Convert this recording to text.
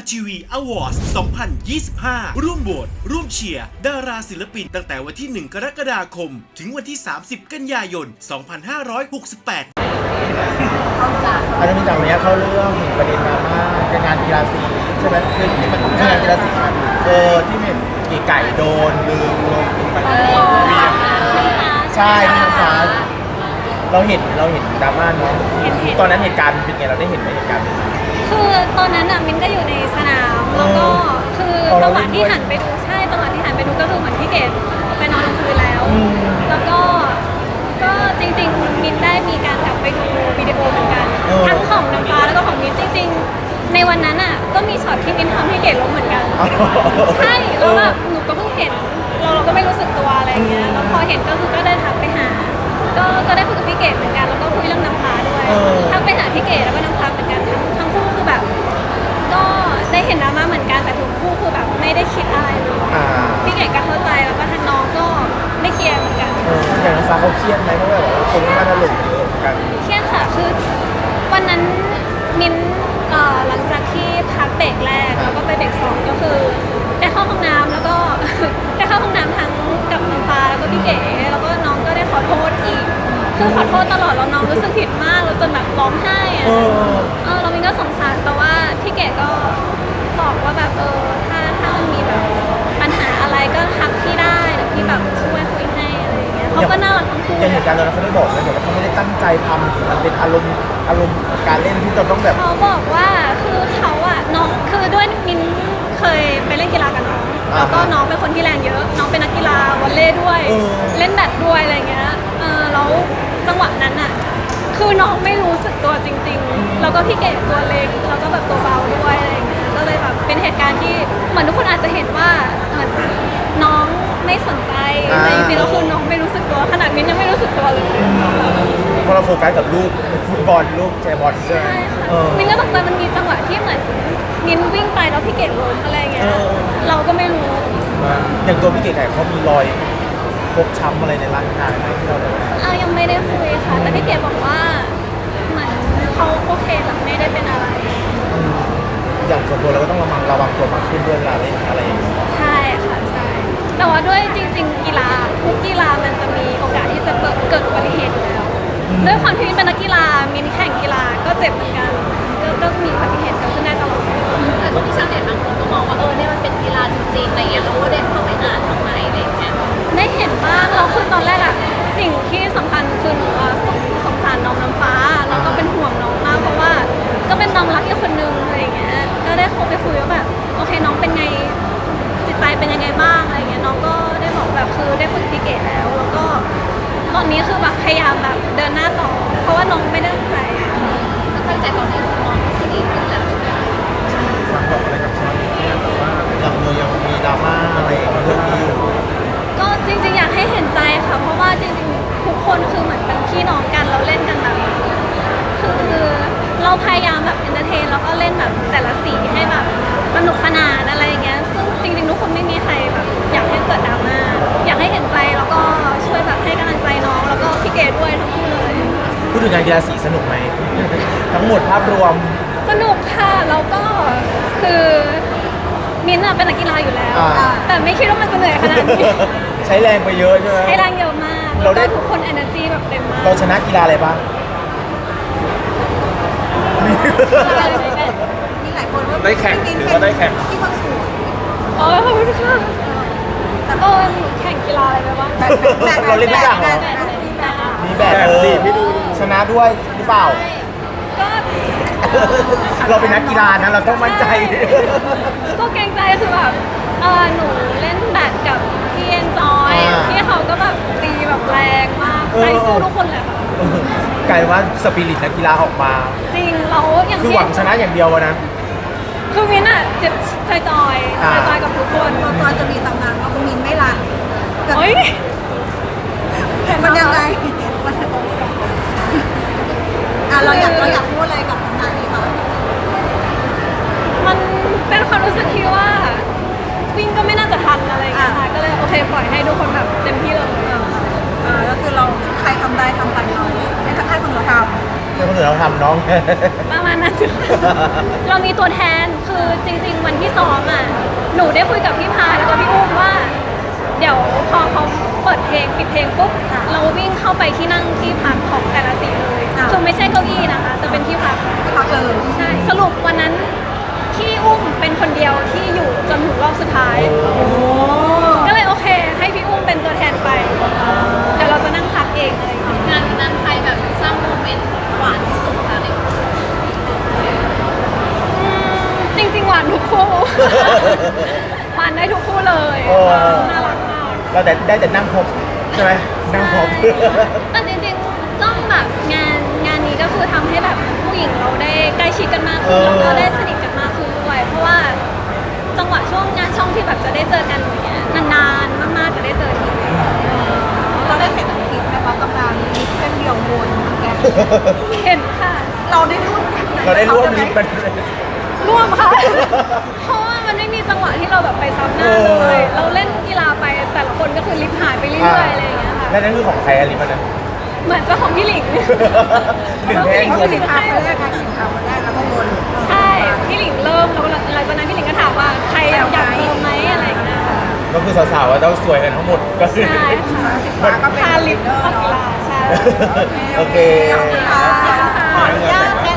ทีวีอวอร์ด2025 ร่วมโหวตร่วมเชียร์ดาราศิลปินตั้งแต่วันที่ 1 กรกฎาคม ถึงวันที่ 30 กันยายน 2568 อาจจะมีจากนี้เข้าเรื่องประเด็นดราม่าการงานกีฬาสีใช่ไหมคือที่มันงานกีฬาสีที่เห็นกี่ไก่โดนลืมลงไปใช่ที่น้ำฟ้าเราเห็นดราม่าเนาะตอนนั้นเหตุการณ์เป็นไงเราได้เห็นไหมเหตุการณ์คือตอนนั้นมินก็อยู่ในสนามแล้วก็คือจังหวะที่หันไปดูจังหวะที่หันไปดูก็คือเหมือนพี่เกดไปนอนลงพื้นแล้วแล้วก็จริงๆมินได้มีการกลับไปดูวิดีโอเหมือนกันทั้งของน้ำฟ้าแล้วก็ของมินจริงๆในวันนั้นก็มีช็อตที่มินทำให้เกดล้มเหมือนกันใช่แล้วแบบหนูก็เพิ่งเห็นเราก็ไม่รู้สึกตัวอะไรเงี้ยแล้วพอเห็นก็คือก็ได้ทักไปหาก็ได้คุยกับพี่เกดเหมือนกันแล้วก็คุยเรื่องน้ำฟ้าด้วยทักไปหาพี่เกดแล้วก็น้ำฟ้าเหมือนกันทั้งคู่คือแบบก็ได้เห็นดราม่าเหมือนกันแต่ทุกคู่คือแบบไม่ได้คิดอะไรเลยพี่เกดก็เข้าใจแล้วก็ทางน้องก็ไม่เครียดเหมือนกันอย่างน้ำฟ้าเขาเครียดไหมเพราะแบบคนมาถล่มเยอะเหมือนกันเครียดค่ะคือวันนั้นมิ้นหลังจากที่พักเบรกแรกแล้วก็ไปเบรก2ก็คือได้เข้าห้องน้ำแล้วก็ ได้เข้าห้องน้ำทั้งกับน้ำฟ้าแล้วก็พี่เก๋แล้วก็น้องก็ได้ขอโทษอีกคือขอโทษตลอดแล้วน้องรู้สึกผิดมากแล้วจนแบบร้องไห้เรามิ้นก็สงสารแต่ว่าพี่เก๋ก็บอกว่าแบบถ้ามันมีแบบปัญหาอะไรก็ทักพี่ได้เดี๋ยวพี่แบบช่วยคุยให้อะไรอย่างเงี้ยเขาก็น่ารักทั้งคู่อย่างเหตุการณ์ตอนนั้นเขาได้บอกเลยว่าเขาไม่ได้ตั้งใจทำมันเป็นอารมณ์การเล่นที่จะต้องแบบเขาบอกว่าคือเขาน้องคือด้วยมิ้นเคยไปเล่นกีฬากับน้องแล้วก็น้องเป็นคนที่แรงเยอะน้องเป็นนักกีฬาวอลเลย์ด้วยเล่นแบดด้วยอะไรเงี้ยแล้วจังหวะนั้นคือน้องไม่รู้สึกตัวจริงๆแล้วก็พี่เก๋ตัวเล็กแล้วก็แบบตัวเบาด้วยอะไรเงี้ยก็เลยแบบเป็นเหตุการณ์ที่เหมือนทุกคนอาจจะเห็นว่าเหมือนน้องไม่สนใจแต่จริงๆแล้วคือน้องไม่รู้สึกตัวขนาดมิ้นยังไม่รู้สึกตัวเลยเพราะเราโฟกัสกับลูกฟุตบอลลูกแชร์บอลใช่ไหมมิ้นก็ตกใจมันมีจังหวะที่เหมือนมิ้นวิ่งไปแล้วพี่เก๋ล้มอะไรเงี้ยเราก็ไม่รู้อย่างตัวพี่เก๋ไก่เขามีรอยฟกช้ำอะไรในร่างกายไหมที่เราได้ยังไม่ได้คุยค่ะแต่พี่เก๋บอกว่าเหมือนเขาโอเคแต่ไม่ได้เป็นอะไรอย่างส่วนตัวเราก็ต้องระวังตัวมากขึ้นด้วยเวลาเล่นอะไรอย่างเงี้ยใช่ค่ะใช่แต่ว่าด้วยจริงๆกีฬาทุกกีฬามันจะมีโอกาสที่จะเกิดอุบัติเหตุอยู่แล้วด้วยความที่มิ้นเป็นนักกีฬามิ้นแข่งกีฬาก็เจ็บเหมือนกันก็มีอุบัติเหตุเกิดขึ้นได้ตลอดแต่ก็มีชาวเน็ตบางคนก็มองว่าเนี่ยมันเป็นกีฬาจริงๆอะไรเงี้ยเราก็ได้เข้าไปอ่านทำไมอะไรเงี้ยได้เห็นบ้างเราคือตอนแรกสิ่งที่สำคัญคือสงสารน้องน้ำฟ้าแล้วก็เป็นห่วงน้องมากเพราะว่าก็เป็นน้องรักอีกคนนึงอะไรเงี้ยก็ได้โทรไปคุยว่าแบบโอเคน้องเป็นไงจิตใจเป็นยังไงบ้างอะไรเงี้ยน้องก็ได้บอกแบบคือได้คุยกับพี่เก๋แล้วก็ตอนนี้คือแบบพยายามแบบเดินหน้าต่อเพราะว่าน้องไม่ได้ตั้งใจตั้งใจตอนนี้น้องก็ดีขึ้นแล้วฝากบอกอะไรกับชาวเน็ตแบบว่าอย่างเรายังมีดราม่าอะไรเรื่องนี้อยู่ก็จริงๆอยากให้เห็นใจค่ะเพราะว่าจริงๆทุกคนคือเหมือนเป็นพี่น้องกันเราเล่นกันแบบคือเราพยายามแบบเอนเตอร์เทนแล้วก็เล่นแบบแต่ละสีให้แบบสนุกสนานอะไรอย่างเงี้ยซึ่งจริงๆทุกคนไม่มีใครแบบอยากให้เกิดดราม่าอยากให้เห็นใจแล้วก็ช่วยแบบให้กำลังใจน้องแล้วก็พี่เกดด้วยทั้งคู่เลยพูดถึงงานกีฬาสีสนุกไหม ทั้งหมดภาพรวมสนุกค่ะแล้วก็คือมิ้นท์เป็นนักกีฬาอยู่แล้วแต่ไม่คิดว่ามันจะเหนื่อยขนาดนี้ใช้แรงไปเยอะใช่ไหมใช้แรงเยอะมากเราได้ทุกคน energy แบบเต็มมากเราชนะกีฬาอะไรบ้างมีหลายคนว่าได้แข่งหรือว่าได้แข่งที่คนสวยขอบคุณค่ะแต่ก็แข่งกีฬาอะไรไปบ้างเราเล่นทุกอย่างเหรอมีแบบพี่ดูชนะด้วยหรือเปล่าก็เราเป็นนักกีฬานะเราต้องมั่นใจก็เกรงใจคือแบบหนูเล่นแบดกับพี่เอ็นจอยพี่เขาก็แบบตีแบบแรงมากใจสู้ทุกคนเลยค่ะกลายว่าสปิริตนักกีฬาออกมาจริงเราอย่างคือหวังชนะอย่างเดียวนะคือมิ้นเจ็บจอยกับทุกคนตอนจะมีตำนานว่ามินไม่รักเฮ้ยมันยังไงเราอยากพูดอะไรกับงานนี้คะมันเป็นความรู้สึกที่ว่าวิ่งก็ไม่น่าจะทันอะไรอย่างเงี้ยค่ะก็เลยโอเคปล่อยให้ทุกคนแบบเต็มที่เลยก็คือเราใครทำได้ทำไปเราให้คนเราทำเป็นคนอื่นเราทำน้องประมาณนั้น เรามีตัวแทนคือจริง ๆ วันที่ซ้อมอ่ะหนูได้คุยกับพี่พาแล้วก็พี่อุ้มว่า เดี๋ยวพอเขาเปิดเพลงปิดเพลงปุ๊บเราวิ่งเข้าไปที่นั่งที่พักของแต่ละสีเลยคือไม่ใช่เก้าอี้นะคะแต่เป็นที่พักเลยใช่สรุปวันนั้นที่อุ้มเป็นคนเดียวที่อยู่จนถึงรอบสุดท้ายก็เลยโอเคให้พี่อุ้มเป็นตัวแทนไปเดี๋ยวเราจะนั่งพักเองอะไรอย่างเงี้ยงานนั้นใครแบบสร้างโมเมนต์หวานที่สุดคะในจริงๆหวานทุกคู่ หวานได้ทุกคู่เลยโอ้น่ารักมากเราได้แต่นั่งพบใช่ไหมนั่งพบแต่จริงๆต้องแบบงานนี้ก็คือทำให้แบบผู้หญิงเราได้ใกล้ชิดกันมากขึ้นแล้วก็ได้สนิทกันมากขึ้นด้วยเพราะว่าจังหวะช่วงงานช่องที่แบบจะได้เจอกันอย่างเงี้ยนานๆมากๆจะได้เจอทีเราได้เห็นคลิปไหมคะกำลังมีเส้นเดียววนแกเห็นค่ะเราได้ร่วมเราได้ร่วมลิฟต์มันร่วมค่ะ เพราะว่ามันไม่มีจังหวะที่เราแบบไปซ้ำหน้าเลย เราเล่นกีฬาไปแต่ละคนก็คือลิฟต์หายไปเรื่อยๆอะไรอย่างเงี้ยค่ะแล้วนั่นคือของใครอะลิฟต์มันนะเหมือนเจ้าของพี่หลิงหนึ่งแท่งเขาติดทางคนแรกค่ะติดทางคนแรกแล้วก็วนใช่ พี่หลิงเริ่มแล้วหลังจากนั้นพี่หลิงก็ถามว่าใครอยากเติมไหมอะไรอย่างเงี้ยค่ะก็คือสาวๆอะต้องสวยกันทั้งหมดก็คือใช่ค่ะฟ้าก็เป็นพาลิฟต์เข้ากีฬาใช่โอเคขออนุญาตแก